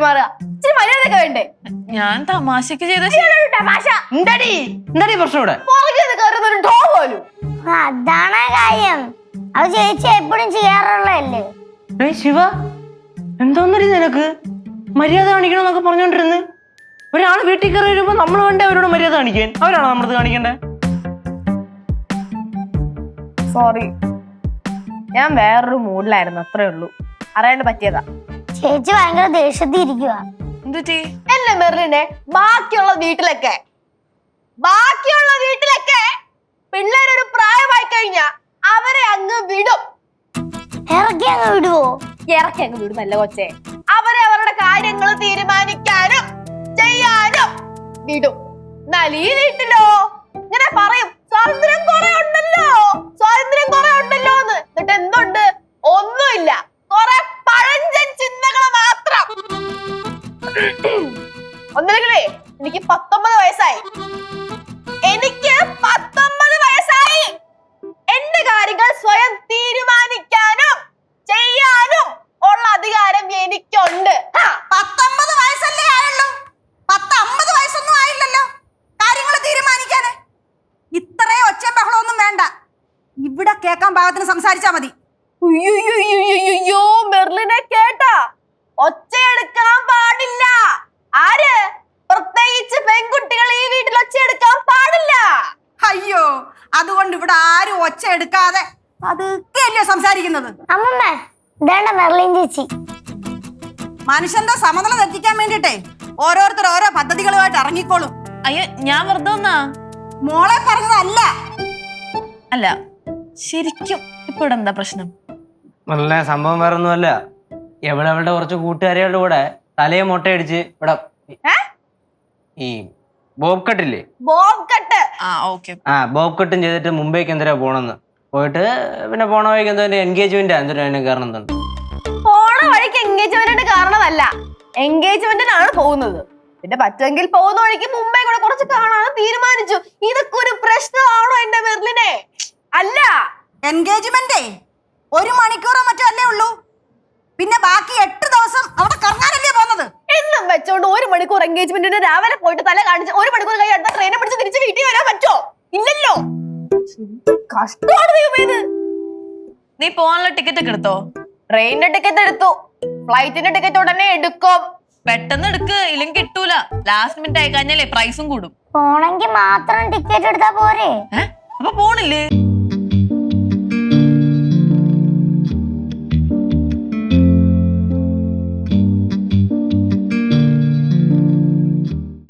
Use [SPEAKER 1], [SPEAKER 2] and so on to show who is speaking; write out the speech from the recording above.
[SPEAKER 1] പെരുമാറുക? ഇച്ചിരി മര്യാദയൊക്കെ വേണ്ടേ?
[SPEAKER 2] ഞാൻ തമാശക്ക് ചെയ്ത
[SPEAKER 1] തമാശ.
[SPEAKER 3] എന്താടി പ്രശ്നം ഇവിടെ?
[SPEAKER 1] പോലും
[SPEAKER 4] അതാണ് കാര്യം. അത് ചേച്ചി എപ്പോഴും ചെയ്യാറുള്ളതല്ലേ.
[SPEAKER 3] ശിവ, എന്തോന്നടി നിനക്ക്? മര്യാദ കാണിക്കണമെന്നൊക്കെ പറഞ്ഞോണ്ടിരുന്ന് ഒരാൾ വീട്ടിൽ കയറി വരുമ്പോ നമ്മൾ വേണ്ടേ അവരോട് മര്യാദ കാണിക്കാൻ? അവരാണോ നമ്മളത് കാണിക്കണ്ടേ?
[SPEAKER 1] സോറി, ഞാൻ വേറൊരു മൂഡിലായിരുന്നു, അത്രേ ഉള്ളൂ. അറിയാണ്ട് പറ്റിയതാ.
[SPEAKER 4] ചേച്ചി ഭയങ്കര ദേഷ്യത്തിൽ ഇരിക്കുക.
[SPEAKER 2] എന്തുറ്റി?
[SPEAKER 1] എന്നെ മെറിലിനെ ബാക്കിയുള്ള വീട്ടിലൊക്കെ പിള്ളേരൊരു പ്രായമായി കഴിഞ്ഞാ അവരെ അങ്ങ് വിടും.
[SPEAKER 4] ഇറക്കി അങ്ങ് വിടുവോ?
[SPEAKER 1] ഇറക്കി അങ്ങ് വിടുന്നല്ല കൊച്ചേ, അവരെ അവരുടെ കാര്യങ്ങൾ തീരുമാനിക്കാനും ചെയ്യാനും വിടും. എന്നാൽ ഈ വീട്ടിലോ ഇങ്ങനെ പറയും സ്വാതന്ത്ര്യം കുറെ ഉണ്ടല്ലോ എന്ന്. എന്നിട്ട് എന്തുണ്ട്? ഒന്നുമില്ല, കുറെ പഴഞ്ചൻ ചിന്തകൾ മാത്രം. ഒന്നില്ലെങ്കിലേ എനിക്ക് 19 വയസ്സായി. എന്റെ കാര്യങ്ങൾ സ്വയം തീരുമാനിക്കാനും ചെയ്യാനും ഉള്ള അധികാരം എനിക്കുണ്ട്.
[SPEAKER 5] 19 വയസ്സല്ലേ ആയുള്ളൂ? 50 വയസ്സൊന്നും ആയില്ലല്ലോ കാര്യങ്ങൾ തീരുമാനിക്കാന്. ഇത്രേ ഒച്ചയും ബഹളമൊന്നും വേണ്ട. ഇവിടെ കേൾക്കാൻ പാകത്തിന് സംസാരിച്ചാ മതി.
[SPEAKER 1] അയ്യോ, മെർലിനെ കേട്ടാ? ഒച്ചയെടുക്കാൻ പാടില്ല. ആര്? പ്രത്യേകിച്ച് പെൺകുട്ടികൾ ഈ വീട്ടിൽ ഒച്ചയെടുക്കാൻ പാടില്ല.
[SPEAKER 5] അയ്യോ, അതുകൊണ്ട് ഇവിടെ ആരും ഒച്ച എടുക്കാതെ അതൊക്കെയല്ലേ സംസാരിക്കുന്നത്.
[SPEAKER 4] അമ്മമ്മ, ഇതാണ്ട മെർലിൻ ചേച്ചി.
[SPEAKER 5] മനുഷ്യന്റെ സമനില തെറ്റിക്കാൻ വേണ്ടിട്ടേ ഓരോരുത്തർ ഓരോ പദ്ധതികളുമായിട്ട് ഇറങ്ങിക്കോളും.
[SPEAKER 2] അയ്യോ, ഞാൻ വെറുതെ വന്നാ.
[SPEAKER 5] മോളെ പറഞ്ഞതല്ല.
[SPEAKER 2] അല്ല, ശരിക്കും ഇപ്പൊ ഇവിടെ എന്താ പ്രശ്നം?
[SPEAKER 3] നല്ല സംഭവം വേറെ ഒന്നുമല്ല. അവളുടെ കുറച്ച് കൂട്ടുകാരികളുടെ കൂടെ തലയെ മുട്ടയടിച്ച് ഇവിടെ ഈ ബോബ് കട്ടില്ലേ,
[SPEAKER 1] ബോബ് കട്ട്.
[SPEAKER 3] ബോബ് കട്ടും ചെയ്തിട്ട് മുംബൈക്ക് എന്തിനാ പോണെന്ന് പോയിട്ട് പിന്നെ പോണ വഴിക്ക് എന്തോ എൻഗേജ്മെന്റ് അതിന് കാരണം എന്താണ്?
[SPEAKER 1] പോണ വഴിക്ക് എൻഗേജ്മെന്റിന് കാരണമല്ല, എൻഗേജ്മെന്റിനാണ് പോകുന്നത്. പിന്നെ പറ്റുമെങ്കിൽ പോകുന്ന വഴിക്ക് മുംബൈ കൂടെ കുറച്ച് കാണാൻ തീരുമാനിച്ചു. ഇതൊക്കെ ഒരു പ്രശ്നമാണോ എന്റെ മെർലിനെ? അല്ല,
[SPEAKER 5] എൻഗേജ്മെന്റേ 1 മണിക്കൂറോ മറ്റോ അല്ലേ ഉള്ളൂ. പിന്നെ ബാക്കി 8 ദിവസം അവിടെ കറങ്ങാനല്ലേ പോകുന്നത്.
[SPEAKER 1] എന്നും വെച്ചോണ്ട് 1 മണിക്കൂർ എൻഗേജ്മെന്റിന് രാവിലെ പോയിട്ട് തല കാണിച്ച് 1 മണിക്കൂർ കഴിഞ്ഞ് അടുത്ത ട്രെയിനെ പിടിച്ച് തിരിച്ച് വീട്ടിൽ വരാൻ പറ്റോ? ഇല്ലല്ലോ. കഷ്ടമാണ് ദൈവമേ ഇത്.
[SPEAKER 2] നീ പോകാനുള്ള ടിക്കറ്റ് ഒക്കെ എടുത്തോ?
[SPEAKER 1] ട്രെയിനിന്റെ ടിക്കറ്റ് എടുത്തു, ഫ്ലൈറ്റിന്റെ ടിക്കറ്റ് ഉടനെ എടുക്കും.
[SPEAKER 2] പെട്ടെന്ന് എടുക്ക്, ഇല്ലെങ്കിൽ കിട്ടൂല. ലാസ്റ്റ് മിനിറ്റ് ആയി കഴിഞ്ഞാലേ പ്രൈസും കൂടും.
[SPEAKER 4] പോണെങ്കി മാത്രം ടിക്കറ്റ് എടുത്താ പോരെ?
[SPEAKER 2] അപ്പൊ പോണില്ലേ?